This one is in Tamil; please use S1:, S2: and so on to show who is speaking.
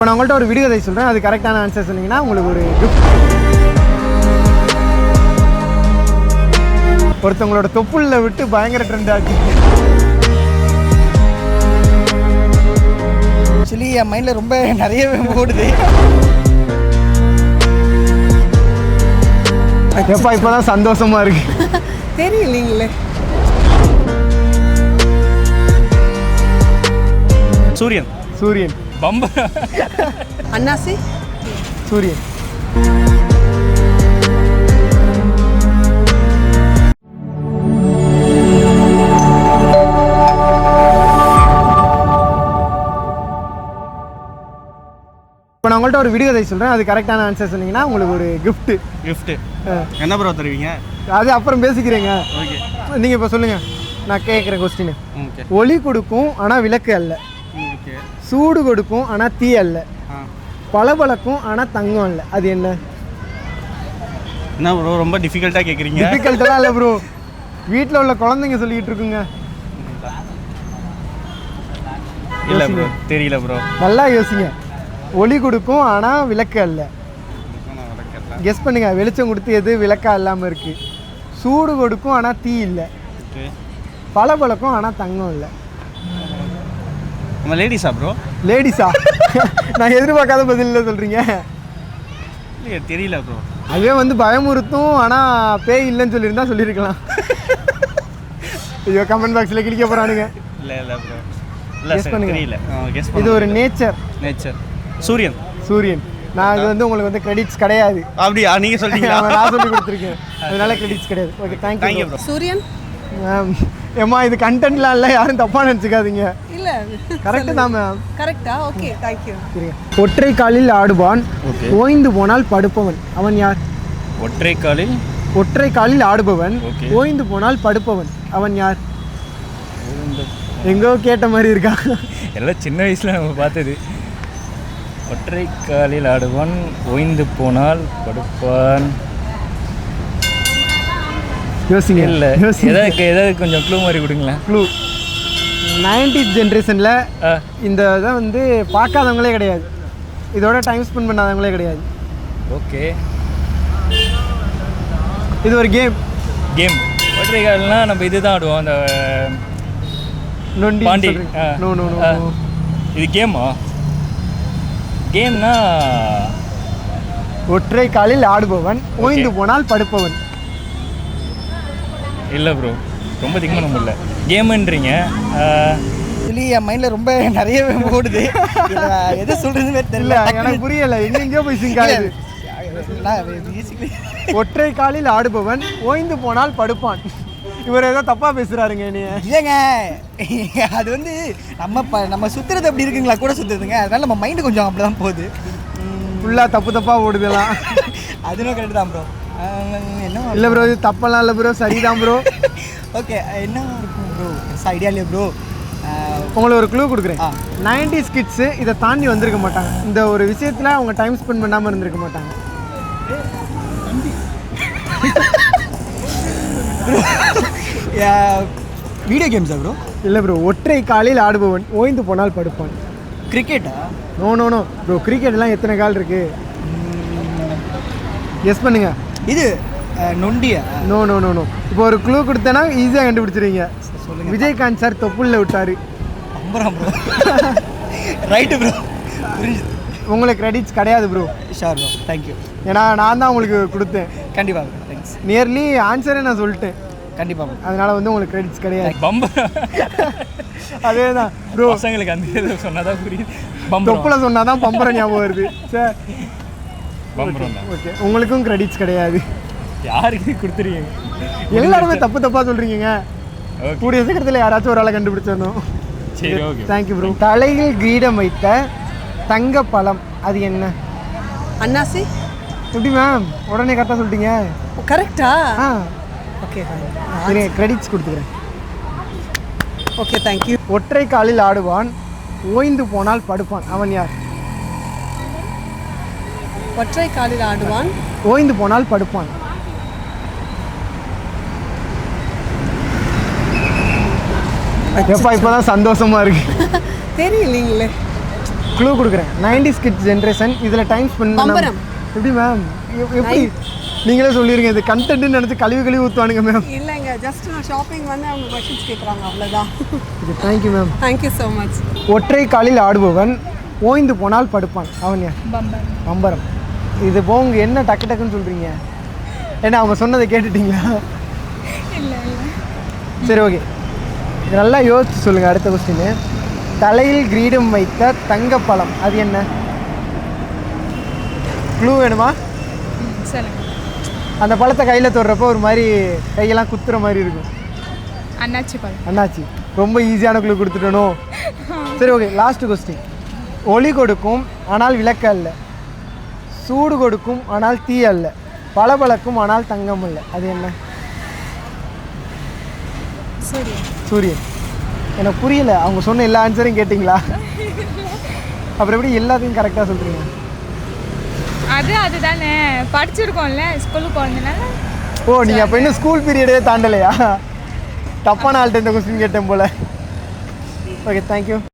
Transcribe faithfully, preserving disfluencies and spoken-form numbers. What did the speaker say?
S1: இப்போ நான் உங்கள்கிட்ட ஒரு விடுகதை சொல்கிறேன், அது கரெக்டான ஆன்சர் சொன்னீங்கன்னா உங்களுக்கு ஒரு கிஃப்ட். ஒருத்தவங்களோட தொப்புள்ள விட்டு பயங்கர ட்ரெண்ட் ஆச்சு.
S2: ஆக்சுவலி என் மைண்டில் ரொம்ப நிறையவே ஓடுது.
S1: எப்பா இப்போதான் சந்தோஷமா இருக்கு.
S3: தெரியலீங்களே.
S4: சூரியன்.
S1: சூரியன்.
S4: பம்ப.
S3: அன்னாசி.
S1: சூரியன். இப்போ நான் உங்கள்கிட்ட ஒரு விடுகதை சொல்கிறேன், அது கரெக்டான ஆன்சர் சொன்னீங்கன்னா உங்களுக்கு ஒரு கிஃப்ட்டு.
S4: கிஃப்ட்டு என்ன ப்ரோ தருவீங்க?
S1: அது அப்புறம் பேசிக்கிறேங்க.
S4: ஓகே,
S1: நீங்கள் இப்போ சொல்லுங்கள், நான் கேட்குறேன் கொஸ்டின்.
S4: ஓகே.
S1: ஒளி கொடுக்கும் ஆனால் விளக்கு அல்ல,
S4: ஓகே.
S1: சூடு கொடுக்கும் ஆனால் தீ அல்ல, பளபளக்கும் ஆனால் தங்கம் இல்லை, அது என்ன?
S4: என்ன ப்ரோ ரொம்ப டிஃபிகல்ட்டாக கேட்குறீங்க?
S1: டிஃபிகல்ட்டெல்லாம் இல்லை ப்ரோ, வீட்டில் உள்ள குழந்தைங்க சொல்லிக்கிட்டு இருக்குங்க.
S4: இல்லை ப்ரோ, தெரியல ப்ரோ.
S1: நல்லா யோசிங்க. ஒளி கொடுக்கும் ஆனால் விளக்கு அல்ல. கெஸ் பண்ணுங்க, வெளிச்சம் கொடுத்து எது விளக்கா இல்லாமல் இருக்கு. சூடு கொடுக்கும் ஆனால் தீ இல்லை, பளபளக்கும் ஆனால் தங்கம் இல்லை.
S4: நம்ம லேடிஸா ப்ரோ?
S1: லேடிஸா? நான் எதிர்பார்க்காத பதில் இல்லை சொல்கிறீங்க.
S4: இல்லையே, தெரியல ப்ரோ.
S1: அதுவே வந்து பயமுறுத்தும் ஆனால் பேய் இல்லைன்னு சொல்லியிருந்தா சொல்லியிருக்கலாம். ஐயோ, கமெண்ட் பாக்ஸில் கிளிக்க போகிறானுங்க.
S4: இல்லை இல்லை ப்ரோ, இல்லை
S1: கெஸ் பண்ணுங்க.
S4: தெரியல. கெஸ்
S1: இது ஒரு நேச்சர்.
S4: நேச்சர். சூரியன்.
S1: சூரியன். நான் இது வந்து உங்களுக்கு வந்து கிரெடிட்ஸ் கிடையாது.
S4: அப்படியா? நீங்கள் சொல்லிட்டீங்களா?
S1: நான் சொல்லி கொடுத்துருக்கேன், அதனால கிரெடிட்ஸ் கிடையாது. Okay, thank you
S4: bro.
S3: சூரியன்.
S1: மேம் ஏம்மா இது கண்டென்ட்லாம் இல்லை, யாரும் தப்பாக நினச்சிக்காதீங்க.
S3: இல்லை,
S1: கரெக்டு தான் மேம்.
S3: கரெக்டா? Okay, thank you.
S1: சரிங்க. ஒற்றை காலில் ஆடுவான், ஓய்ந்து போனால் படுப்பவன், அவன் யார்?
S4: ஒற்றை காலில்
S1: ஒற்றை காலில் ஆடுபவன், ஓய்ந்து போனால் படுப்பவன், அவன் யார்? எங்கோ கேட்ட மாதிரி இருக்கா?
S4: எல்லாம் சின்ன வயசில் நம்ம பார்த்தது. ஒற்றை காலில் ஆடுவான், ஓய்ந்து போனால் படுப்பான்.
S1: யோசிங்க.
S4: இல்லை, எதாவது எதாவது கொஞ்சம் க்ளூ மாதிரி கொடுங்களேன்.
S1: க்ளூ. நைன்டீஸ் ஜென்ரேஷனில் இந்த இதை வந்து பார்க்காதவங்களே கிடையாது, இதோட டைம் ஸ்பெண்ட் பண்ணாதவங்களே கிடையாது.
S4: ஓகே,
S1: இது ஒரு கேம்.
S4: கேம். ஒற்றை கால்னால் நம்ம இது தான் ஆடுவோம், அந்த
S1: நொண்டி.
S4: பாண்டி.
S1: No no no.
S4: இது கேமா? கேம்னா
S1: ஒற்றை காலில் ஆடுபவன், ஓய்ந்து போனால் படுப்பவன்.
S4: இல்லை ப்ரோ, ரொம்ப திங்க் பண்ண முடியல. கேமுன்றீங்க.
S2: ஆக்சுவலி என் மைண்டில் ரொம்ப நிறையவே ஓடுது. எதை சொல்கிறதுமே தெரியல,
S1: எனக்கு புரியலை, எங்கெங்கேயோ போய் சிங்க் ஆகுது. ஒற்றை காலில் ஆடுபவன், ஓய்ந்து போனால் படுப்பான். இவர் ஏதோ தப்பாக பேசுகிறாருங்க. நீ
S2: இல்லைங்க, அது வந்து நம்ம ப நம்ம சுற்றுறது அப்படி இருக்குங்களா கூட சுற்றுறதுங்க, அதனால நம்ம மைண்டு கொஞ்சம் அப்படி தான் போகுது.
S1: ஃபுல்லாக தப்பு தப்பாக ஓடுதெல்லாம்.
S2: அதுவும் கரெக்டு தான் ப்ரோ. என்ன
S1: இல்லை ப்ரோ, இது தப்பெல்லாம் இல்லை ப்ரோ, சரிதான் ப்ரோ.
S2: ஓகே, என்ன இருக்கும் ப்ரோ? ஐடியா இல்லையா ப்ரோ?
S1: உங்களுக்கு ஒரு க்ளூ கொடுக்குறேன். நைன்டிஸ் கிட்ஸு இதை தாண்டி வந்திருக்க மாட்டாங்க, இந்த ஒரு விஷயத்தில் அவங்க டைம் ஸ்பெண்ட் பண்ணாமல் இருந்திருக்க மாட்டாங்க.
S2: வீடியோ கேம்ஸா ப்ரோ?
S1: இல்லை ப்ரோ, ஒற்றை காலில் ஆடுபவன், ஓய்ந்து போனால் படுப்பான்.
S2: கிரிக்கெட்டா?
S1: நோ நோ நோ ப்ரோ, கிரிக்கெட்லாம் எத்தனை கால் இருக்கு? கெஸ் பண்ணுங்க.
S2: இது நொண்டியா?
S1: No no no no. இப்போ ஒரு க்ளூ கொடுத்தேன்னா ஈஸியாக கண்டுபிடிச்சிருவீங்க. சொல்லுங்கள். விஜயகாந்த் சார் தொப்புள்ள விட்டார்.
S2: அம்பரம் ப்ரோ. ரைட்டு ப்ரோ, புரியுது.
S1: உங்களுக்கு கிரெடிட்ஸ் கிடையாது ப்ரோ.
S2: ஷார் ப்ரோ, தேங்க்யூ.
S1: ஏன்னா நான் தான் உங்களுக்கு கொடுத்தேன்.
S2: கண்டிப்பாக ப்ரோ, தேங்க்ஸ்.
S1: நியர்லி ஆன்சரே நான் சொல்லிட்டேன்.
S2: கண்டிப்பாக ப்ரோ,
S1: அதனால் வந்து உங்களுக்கு கிரெடிட்ஸ் கிடையாது.
S4: பம்ப.
S1: அதே தான் ப்ரோ,
S4: பசங்களுக்கு அந்த இது சொன்னால் தான் புரியுது.
S1: தொப்புல சொன்னால் தான் பம்பரம் ஞாபகம் வருது சார்.
S4: பம்பரம் தான்.
S1: ஓகே, உங்களுக்கும் கிரெடிட்ஸ் கிடையாது.
S4: யாருக்கு கொடுத்துருக்கீங்க?
S1: எல்லாருமே தப்பு தப்பாக சொல்கிறீங்க. கூடிய சீக்கிரத்தில் யாராச்சும் ஒரு ஆளை கண்டுபிடிச்சிடணும்.
S4: சரி, ஓகே,
S1: தேங்க்யூ ப்ரோ. தலையில் கிரீடம் வைத்த தங்க பழம், அது என்ன?
S3: அன்னாசி.
S1: எப்படி மேம் உடனே கரெக்டாக சொல்லிட்டீங்க?
S3: கரெக்டா?
S1: ஆ,
S3: ஓகே,
S1: சரி, கிரெடிட்ஸ் கொடுத்துக்கிறேன்.
S3: Okay, thank you.
S1: ஒற்றை காலில் ஆடுவான், ஓய்ந்து போனால் படுப்பான், அவன் யார்?
S3: ஒற்றை காலில் ஆடுவான்,
S1: ஓய்ந்து போனால் படுப்பான். எப்பா இப்போதான் சந்தோஷமா இருக்கு.
S3: தெரியலீங்களே.
S1: க்ளூ கொடுக்குறேன். நைன்டிஸ் கிட்ஸ் ஜென்ரேஷன் இதில் டைம் ஸ்பெண்ட் பண்ண
S3: பம்பரம்.
S1: எப்படி மேம் எப்படி நீங்களே சொல்லிடுங்க இது கண்டென்ட்னு நினச்சி கழுவி கழுவி ஊற்றுவானுங்க மேம்.
S3: இல்லைங்க ஜஸ்ட் நான் ஷாப்பிங் வந்து அவங்க கொஷின்ஸ் கேட்குறாங்க அவ்வளோதான்.
S1: இது thank you ma'am.
S3: Thank you so much.
S1: ஒற்றை காலில் ஆடுபவன் ஓய்ந்து போனால் படுப்பான் அவன் யார்? பம்பரம். இது போங்க என்ன டக்கு டக்குன்னு சொல்கிறீங்க? ஏன்னா அவங்க சொன்னதை கேட்டுட்டீங்களா? சரி ஓகே, இது நல்லா யோசிச்சு சொல்லுங்கள். அடுத்த கொஸ்டின். தலையில் கிரீடம் வைத்த தங்கப்பழம் அது என்ன? க்ளூ வேணுமா? அந்த பழத்தை கையில் தொடுறப்போ ஒரு மாதிரி கையெல்லாம் குத்துற மாதிரி இருக்கும்.
S5: அண்ணாச்சி பழம்.
S1: அண்ணாச்சி. ரொம்ப ஈஸியான க்ளூ கொடுத்துட்டனோ? சரி ஓகே, லாஸ்ட் கொஸ்டின். ஒளி கொடுக்கும் ஆனால் விளக்கு அல்ல, சூடு கொடுக்கும் ஆனால் தீ அல்ல, பளபளக்கும் ஆனால் தங்கம் அல்ல, அது என்ன?
S5: சூரியன்.
S1: சூரியன். எனக்கு புரியல, அவங்க சொன்ன எல்லா ஆன்சரையும் கேட்டிங்களா? அப்புறம் எப்படி எல்லாத்தையும் கரெக்டாக சொல்கிறீங்க?
S5: அது அதுதானே படிச்சிருக்கோம்ல ஸ்கூலுக்கு போனதுனால.
S1: ஓ நீங்கள் அப்போ இன்னும் ஸ்கூல் பீரியடே தாண்டலையா? தப்பான ஆள்கிட்ட இந்த கொஸ்டின் கேட்டேன் போல். Okay thank you.